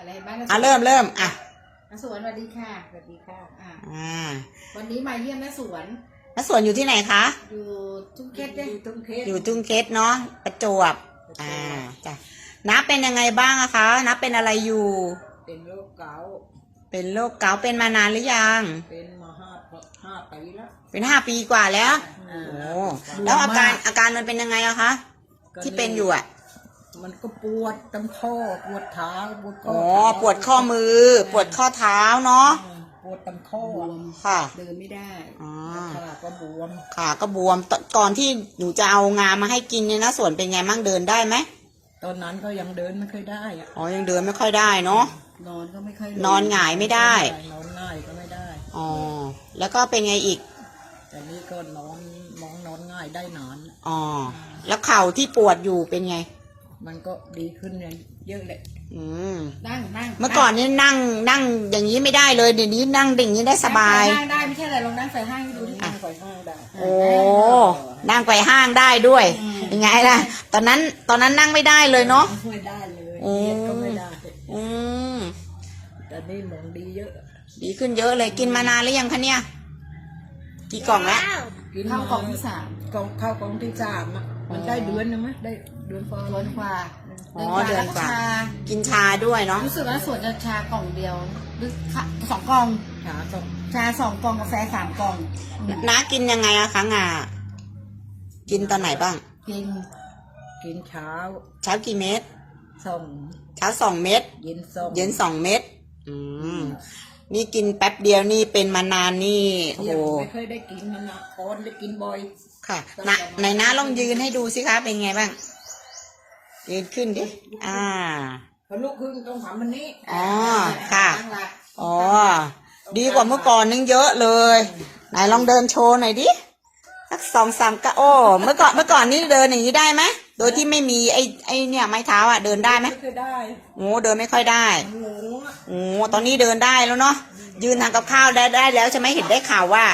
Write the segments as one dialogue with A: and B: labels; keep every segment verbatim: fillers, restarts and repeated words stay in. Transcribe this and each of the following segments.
A: อะไรบ้าง
B: อ่ะเริ่มเริ่มอ่ะ
A: น้าสวนสวัสดีค่ะสวัสดีค่ะอ่า
B: อ่า
A: วันนี้มาเยี่ยมน้าสวน
B: น้าสวนอยู่ที่ไหนคะ
A: อยู่ทุ่งเกตเนี่ยอยู่ทุ่งเกต
B: อยู่จุงเกตเนาะประจวบอ่าจ้ะน้าเป็นยังไงบ้างอะคะน้าเป็นอะไรอยู่
A: เป็นโรคเกาต์
B: เป็นโรคเกาต์เป็นมานานหรือยัง
A: เป็นมาห้าห้าปีแล้ว
B: เป็นห้าปีกว่าแล้ว
A: อ่า
B: โอ้แล้วอาการอาการมันเป็นยังไงอะคะที่เป็นอยู่อะ
A: มันก็ปวดตามข้อปวดเท้าปวดข้อ
B: อ๋อปวดข้อมือ ปวดข้อเท้าเนาะ
A: ปวดตามข้อบวม
B: ค่ะ
A: เดินไม่ได้
B: อ๋อ
A: ขาก็บวม
B: ขาก็บวมตก่อนที่หนูจะเอางามาให้กินเนี่ยนะส่วนเป็นไงมั่งเดินได้ไหม
A: ตอนนั้นก็ยังเดินไม่ค่อยได้อะ
B: อ๋อยังเดินไม่ค่อยได้เนาะ
A: นอนก็ไม่ค่อย
B: นอนหงายไม่ได้
A: นอนง่ายก็ไม่ได้
B: อ๋อแล้วก็เป็นไงอีก
A: แต่นี่ก็นอนมองนอนง่ายได้นาน
B: อ๋อแล้วเข่าที่ปวดอยู่เป็นไง
A: มันก็ดีขึ้นเยอะเลย
B: อืม
A: นั่งนั่ง
B: เมื่อก่อนนี่นั่งนั่งอย่างนี้ไม่ได้เลยเดี๋ยวนี้นั่งดิ่างนี้ได้สบาย
A: นั่งได้ไม่ใช่อะไรลองนั่งใส่ห้างให้ดูที่นั่งใส่ห้างได้
B: โอ้นั่งไปห้างได้ด้วยยังไงล่ะ ตอนนั้นตอนนั้นนั่งไม่ได้เลยเนาะ
A: ไม่ได้เลย
B: อื
A: เย็
B: ม
A: ดก็ไม่ได้
B: อืม
A: แต่นี่มองดีเยอะ
B: ดีขึ้นเยอะเลยกินมานานหรือยังคะเนี่ยกี่กล่องแล้ว
A: กินเข้ากล่องที่สามกล่องเข้ากล่องที่สามอ่ะมันได้เดือนนึงไหมได้เดือนกว่าเดือนกว่า
B: อ๋อเดือนกว่ากินชาด้วยเนาะ
A: รู้สึกว่าส่วนจะชากล่องเดียวหรือสองกล่องชาสองชาสองกล่องกาแฟสามกล่อง
B: น้ากินยังไงอะคะงากินตอนไหนบ้าง
A: กินกินเช้า
B: เช้ากี่เม็ด
A: สอง
B: เช้าสองเม็ด
A: เย็นสอง
B: เย็นสองเม็ดอืมนี่กินแป๊บเดียวนี่เป็นมานานนี่โอ้โห
A: ไม่เคยได้กินมันนะออนได้กินบ่อย
B: ค่ะนะไหนน้าลองยืนให้ดูสิคะเป็นไงบ้างยืนขึ้นดิอ่า
A: พอลุกขึ้นต้องทำมันนี้
B: อ๋อค่ะอ๋อดีกว่าเมื่อก่อนนึงเยอะเลยไหนลองเดินโชว์หน่อยดิสักสองสามก้าวโอ้เมื่อก่อนเมื่อก่อนนี่เดินอย่างนี้ได้ไหมโดยที่ไม่มีไอ้ไอ้เนี่ยไม้เท้าอ่ะเดินได้ไหม
A: ไม่เคยได้
B: โอ้เดินไม่ค่อยได้
A: มันหลงอ่ะ
B: โอ้ตอนนี้เดินได้แล้วเนาะยืนทำกับข้าวได้ได้แล้วใช่ไหมเห็นได้ข่าวว่า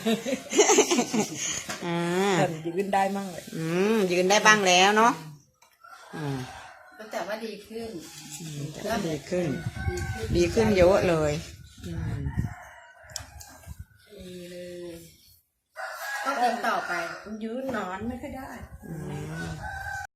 B: อืม
A: ยืนได้มั่งเลย
B: อืมยืนได้บ้างแล้วเนาะอืม
A: แต่ว่าดีขึ้น
B: ก็ดีขึ้น ดีขึ้นเยอะเลยอืม
A: ดีเลยก็กินต่อไปยืนนอนไม่ค่อยได้
B: อืม